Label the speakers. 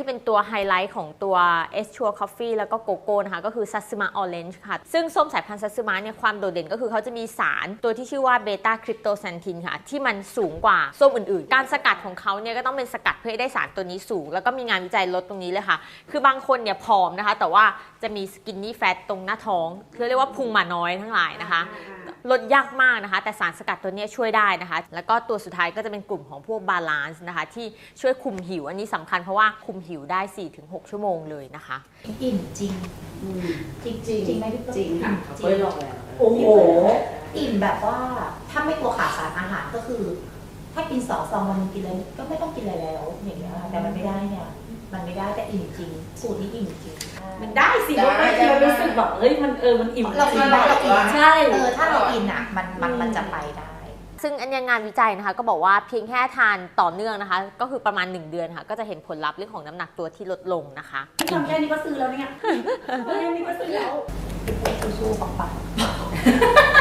Speaker 1: เป็นตัวไฮไลท์ของตัว S Chua Coffee แล้วก็โกโก้นะคะก็คือ Satsuma Orange ค่ะซึ่งส้มสายพันธุ์ Satsuma เนี่ยความโดดเด่นก็คือเขาจะมีสารตัวที่ชื่อว่าเบต้าคริปโตแซนทินค่ะที่มันสูงกว่าส้มอื่นๆการสกัดของเขาเนี่ยก็ต้องเป็นสกัดเพื่อให้ได้สารตัวนี้สูงแล้วก็มีงานวิจัยลดตรงนี้เลยค่ะคือบางคนเนี่ยผอมนะคะแต่ว่าจะมีสกินนี่แฟตตรงหน้าท้องเรียกว่าพุงหมาน้อยทั้งหลายนะคะลดยากมากนะคะแต่สารสกัดตัวนี้ช่วยได้นะคะแล้วก็ตัวสุดท้ายก็จะเป็นกลุ่มของพวกบาลานซ์นะคะที่ช่วยคุมหิวอันนี้สำคัญเพราะว่าคุมหิวได้ 4-6 ชั่วโมงเลยนะคะ
Speaker 2: อิ่มจริงจริงจริงไหมพี่
Speaker 3: จริงค่ะเปิ้ลบอกแล้ว
Speaker 2: โอ้โหอิ่มแบบว่าถ้าไม่กลัวขาดสารอาหารก็คือถ้ากิน2 ซองวันนึงกินเลยก็ไม่ต้องกินอะไรแล้วอย่างเงี้ยแต่มันไม่ได้เนี่ยมันไม่ได้แต่อิ่มจริงสูตรนี้อิ่มจริง
Speaker 3: มันได้สิเพราะเรารู้สึกแบบเฮ้ยมันมันอิ่ม
Speaker 2: เรากินได้เรากิน
Speaker 3: ใช่
Speaker 2: ถ้าเรากินอ่ะมันจะไปได้
Speaker 1: ซึ่งอันงานวิจัยนะคะก็บอกว่าเพียงแค่ทานต่อเนื่องนะคะก็คือประมาณ1 เดือนค่ะก็จะเห็นผลลัพธ์เรื่องของน้ำหนักตัวที่ลดลงนะคะ
Speaker 3: ทำแค่นี้ก็ซื้อแล้วเนี่ยแค่นี้ก็ซื้อแล้ว
Speaker 2: สู้ๆปัง